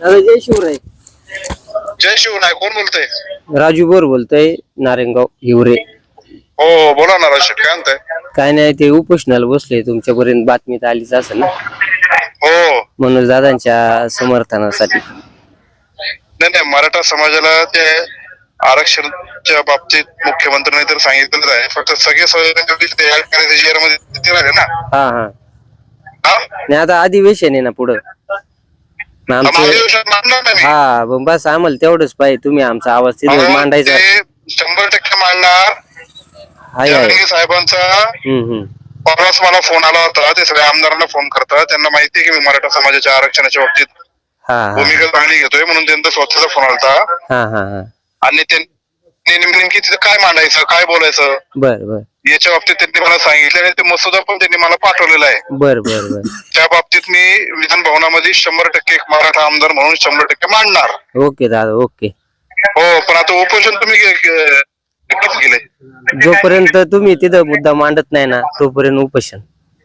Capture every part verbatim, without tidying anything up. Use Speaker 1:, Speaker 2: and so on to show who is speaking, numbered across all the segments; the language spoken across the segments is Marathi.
Speaker 1: दादा जय शिवराय.
Speaker 2: जय शिवराय. कोण बोलतोय?
Speaker 1: राजू बोर बोलतोय, नारायणगाव हिवरे.
Speaker 2: हो बोला ना राज, काय म्हणताय?
Speaker 1: काय नाही, ते उपोषणाला बसले, तुमच्यापर्यंत बातमीत आलीच असेल ना.
Speaker 2: हो
Speaker 1: मनोज दादांच्या समर्थनासाठी.
Speaker 2: नाही नाही, मराठा समाजाला ते आरक्षणाच्या बाबतीत मुख्यमंत्र्यांनी तर सांगितलेलं आहे, फक्त सगळे मध्ये ना.
Speaker 1: हा हा नाही, आता अधिवेशन आहे ना पुढं आमचं. हा बस आम्हाला तेवढंच पाहिजे, तुम्ही आमचा आवाज तिथे मांडायचा.
Speaker 2: शंभर टक्के मांडणार. साहेबांचा
Speaker 1: हम्म हम्म
Speaker 2: परवाच मला फोन आला होता, ते सगळ्या आमदारांना फोन करतात, त्यांना माहिती आहे की मी मराठा समाजाच्या आरक्षणाच्या बाबतीत भूमिका चांगली घेतोय, म्हणून त्यांचा स्वतःचा फोन आला. आणि नेमकी तिथं काय मांडायचं, काय बोलायचं,
Speaker 1: बर बर
Speaker 2: याच्या बाबतीत त्यांनी मला सांगितलं आणि ते मसुदा पण त्यांनी मला पाठवलेला आहे.
Speaker 1: बर बर बर
Speaker 2: त्या बाबतीत मी विधान भवनामध्ये शंभर टक्के एक मराठा आमदार म्हणून शंभर टक्के मांडणार.
Speaker 1: ओके दादा, ओके.
Speaker 2: हो, पण आता उपोषण तुम्ही केले,
Speaker 1: जोपर्यंत तुम्ही तिथं मुद्दा मांडत नाही ना तोपर्यंत उपोषण.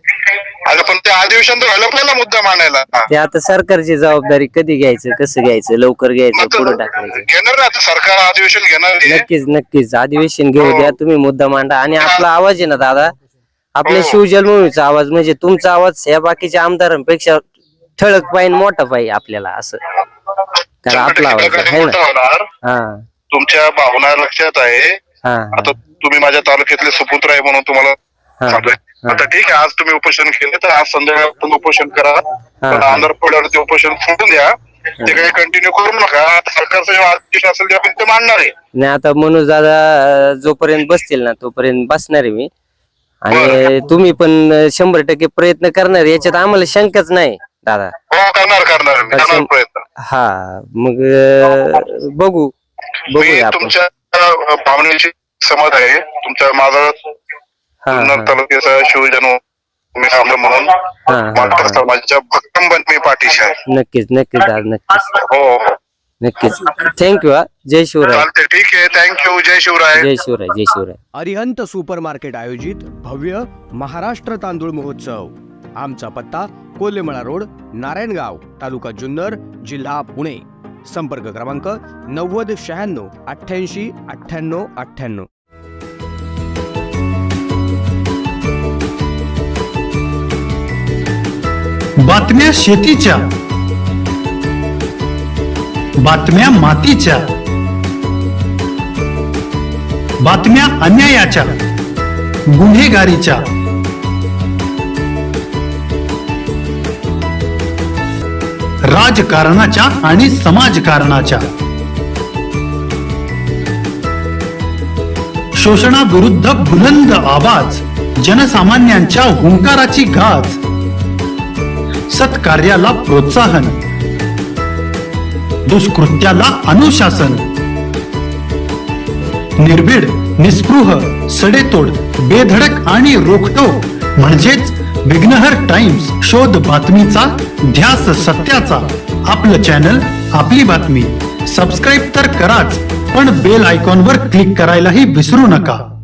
Speaker 2: अरे पण ते अधिवेशन तर व्हायला आपल्याला मुद्दा मांडायला.
Speaker 1: ते आता सरकारची जबाबदारी, कधी घ्यायचं, कसं घ्यायचं, लवकर घ्यायचं, पुढे टाकायचं.
Speaker 2: घेणार आता सरकार अधिवेशन घेणार.
Speaker 1: नक्कीच नक्कीच अधिवेशन घेऊ द्या, तुम्ही मुद्दा मांडा. आणि आपला आवाज आहे ना दादा, आपल्या शिवजन्मभूमीचा आवाज म्हणजे तुमचा आवाज या बाकीच्या आमदारांपेक्षा ठळक पाहिजे, मोठा पाहिजे आपल्याला, असं. कारण आपला आवाज आहे ना. हा,
Speaker 2: तुमच्या भावना लक्षात आहे. आता तुम्ही माझ्या तालुक्यातले सुपुत्र आहे म्हणून तुम्हाला सांगतोय. आता ठीक आहे, आज तुम्ही उपोषण केलं तर आज संध्याकाळ उपोषण करा, पण आंध्र प्रदेशवरती उपोषण सोडून द्या, ते काही कंटिन्यू करू नका. सरकारचं जेव्हा आदेश असेल तेव्हा ते मांडणार आहे.
Speaker 1: नाही, आता मनोज दादा जोपर्यंत बसतील ना तोपर्यंत बसणार आहे मी. आणि तुम्ही पण शंभर टक्के प्रयत्न करणार, याच्यात आम्हाला शंकाच नाही दादा.
Speaker 2: हो, करणार करणार प्रयत्न.
Speaker 1: हा, मग बघू बघू आपण.
Speaker 2: तुमच्या भावनेची समज आहे, तुमच्या माझा तालुक्याचा शिवजन्म म्हणून मराठा समाजाच्या भक्कम मी पाठीशी आहे.
Speaker 1: नक्कीच नक्कीच दादा, नक्कीच.
Speaker 2: हो
Speaker 1: नक्कीच. थँक्यू. हा, जय शिवराय.
Speaker 2: ठीक आहे, थँक्यू. जय शिवराय.
Speaker 1: जय शिवराय. जय शिवराय.
Speaker 3: अरिहंत सुपर मार्केट आयोजित भव्य महाराष्ट्र तांदूळ महोत्सव. आमचा पत्ता कोल्हेमळा रोड, नारायणगाव, तालुका जुन्नर, जिल्हा पुणे. संपर्क क्रमांक नव्वद शहाण्णव अठ्ठ्याऐंशी अठ्ठ्याण्णव अठ्ठ्याण्णव.
Speaker 4: बातम्या शेतीच्या, बातम्या मातीच्या, बातम्या अन्यायाच्या, गुन्हेगारीच्या, राजकारणाच्या आणि समाजकारणाच्या, शोषणाविरुद्ध बुलंद आवाज, जनसामान्यांच्या हुंकाराची गाज, सत्कार्याला प्रोत्साहन, दुष्कृत्याला अनुशासन, निर्भीड, निस्पृह, सडेतोड, बेधडक आणि रोखटोक म्हणजेच विघ्नहर टाइम्स. शोध बातमीचा, ध्यास सत्याचा. आपलं चॅनल, आपली बातमी. सबस्क्राईब तर कराच, पण बेल आयकॉनवर क्लिक करायलाही विसरू नका.